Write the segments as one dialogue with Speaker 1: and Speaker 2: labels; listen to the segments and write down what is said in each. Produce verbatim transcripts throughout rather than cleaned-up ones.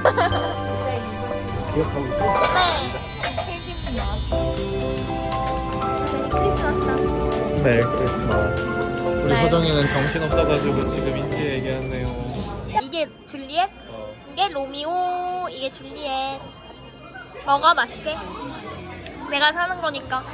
Speaker 1: 기억하고 있어?
Speaker 2: 크리스마스.
Speaker 3: 메리 크리스마스. 우리
Speaker 2: 네.
Speaker 3: 서정이는 정신 없어가지고 지금 인지 얘기하네요.
Speaker 2: 이게 줄리엣,
Speaker 3: 어.
Speaker 2: 이게 로미오, 이게 줄리엣. 먹어 맛있게. 내가 사는 거니까.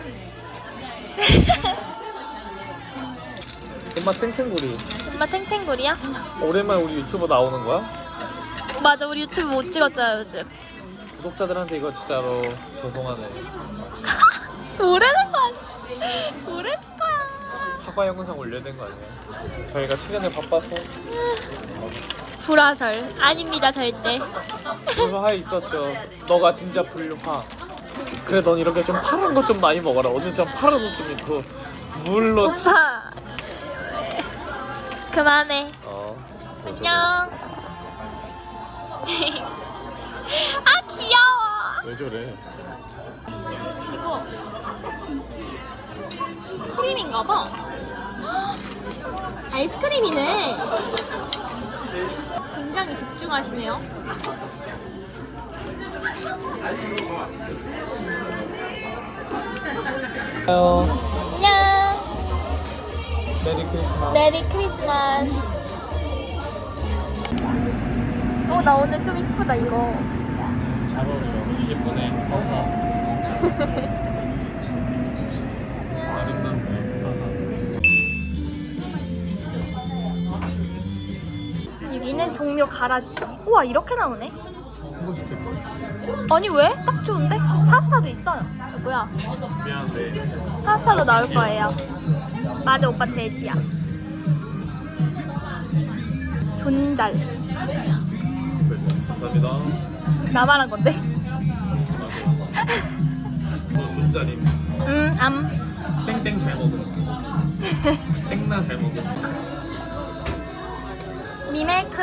Speaker 3: 엄마 탱탱구리.
Speaker 2: 엄마 탱탱구리야?
Speaker 3: 오랜만에 우리 유튜브 나오는 거야?
Speaker 2: 맞아, 우리 유튜브 못 찍었잖아 요즘.
Speaker 3: 구독자들한테 이거 진짜로 죄송하네.
Speaker 2: 모르는 거 아니야? 모르는 거야.
Speaker 3: 사과 영상 올려야 되는 거 아니야? 저희가 최근에 바빠서
Speaker 2: 불화설 아닙니다 절대.
Speaker 3: 불화에 있었죠. 너가 진짜 불화. 그래 넌 이렇게 좀 파란 거 좀 많이 먹어라. 오늘 좀 파란 옷 좀 입고 물로.
Speaker 2: 오빠 그만해.
Speaker 3: 어.
Speaker 2: 안녕. 아 귀여워.
Speaker 3: 왜 저래?
Speaker 2: 이거 크림인가 봐. 아이스크림이네. 굉장히 집중하시네요. 안녕.
Speaker 3: 메리 크리스마스.
Speaker 2: 메리 크리스마스. 어, 나 오늘 좀 이쁘다 이거.
Speaker 3: 잘 어울려. 예쁘네. 하하. 아름답네.
Speaker 2: 여기는 동묘 가라지. 우와 이렇게 나오네.
Speaker 3: 큰거 시킬 거야.
Speaker 2: 아니 왜? 딱 좋은데? 파스타도 있어요. 뭐야?
Speaker 3: 미안한데.
Speaker 2: 파스타도 나올 거예요. 맞아 오빠 돼지야. 존잘.
Speaker 3: 감사합니다.
Speaker 2: 나 말한 건데.
Speaker 3: 너 존짜림.
Speaker 2: 음, 암.
Speaker 3: 땡땡 잘 먹음. 땡나 잘 먹음.
Speaker 2: 미밀크.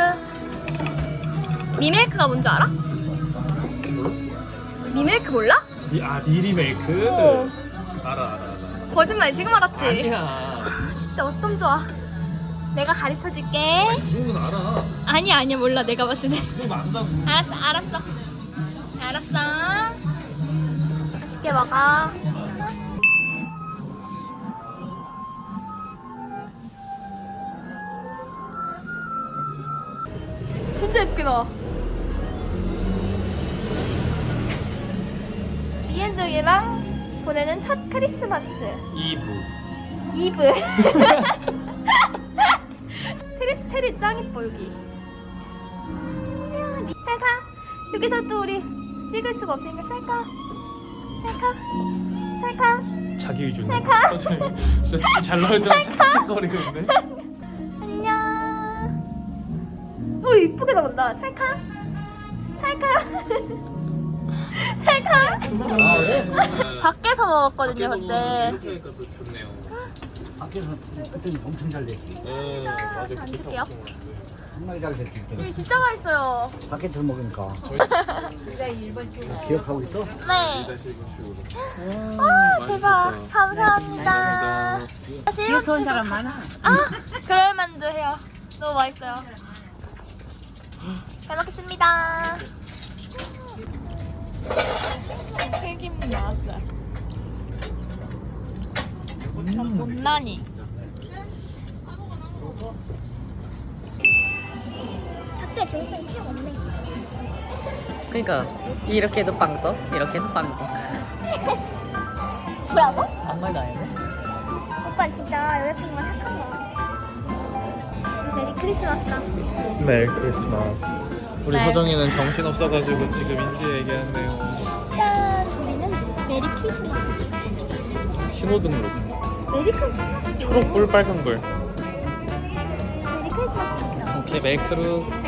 Speaker 2: 미밀크가 뭔지 알아? 미밀크 몰라?
Speaker 3: 미, 아 미리 멜크.
Speaker 2: 어.
Speaker 3: 알아 알아 알아.
Speaker 2: 거짓말 지금 알았지?
Speaker 3: 아니야.
Speaker 2: 진짜 어쩜 좋아. 내가 가르쳐 줄게.
Speaker 3: 그 정도는 알아.
Speaker 2: 아니야 아니야 몰라 내가 봤을 때.
Speaker 3: 그 정도 안다고.
Speaker 2: 알았어 알았어. 알았어. 맛있게 먹어. 진짜 예쁘게 나와. 이엔정이랑 보내는 첫 크리스마스
Speaker 3: 이브.
Speaker 2: 이브. 트리스테리 짱 이뻐 여기. 안녕. 찰카. 여기서 또 우리 찍을 수가 없으니까 찰카. 찰카. 찰카.
Speaker 3: 자기 위주네.
Speaker 2: 찰카.
Speaker 3: 천천히. 진짜 잘 나올 때만 착착거리고 있네.
Speaker 2: 안녕. 오 이쁘게 나온다. 찰카. 찰카. 찰카.
Speaker 3: 아, 네.
Speaker 2: 밖에서 먹었거든요 그때.
Speaker 3: 이렇게 하니까 더 좋네요.
Speaker 1: 밖에서 그때는 엄청 잘 됐지.
Speaker 3: 네, 맞아.
Speaker 2: 안
Speaker 3: 그때
Speaker 2: 줄게요.
Speaker 1: 정말 잘 됐지. 그때는.
Speaker 2: 여기 진짜 맛있어요.
Speaker 1: 밖에서 먹으니까.
Speaker 3: 저희
Speaker 1: 기억하고 있어?
Speaker 2: 네.
Speaker 3: 다시 이거
Speaker 2: 아 대박. 감사합니다. 다시
Speaker 1: 기억 좋은 사람 많아.
Speaker 2: 아 그럴 만도 해요. 너무 맛있어요. 잘 먹겠습니다. 튀김 나왔어요. 못나니. 작게 중생 필요 없네.
Speaker 4: 그러니까 이렇게도 빵 떠, 이렇게도 빵 떠.
Speaker 2: 뭐라고?
Speaker 4: 아무 말도 안 했네.
Speaker 2: 오빠 진짜 여자친구가 착한 거야. 메리 크리스마스다.
Speaker 3: 메리 크리스마스. 우리
Speaker 2: 네.
Speaker 3: 서정이는 정신 없어가지고 지금 인지 얘기하네요.
Speaker 2: 짠! 우리는 메리 크리스마스.
Speaker 3: 신호등으로.
Speaker 2: 메리 크리스마스.
Speaker 3: 초록불, 빨간불.
Speaker 2: 메리 크리스마스.
Speaker 3: 오케이, 멜크루.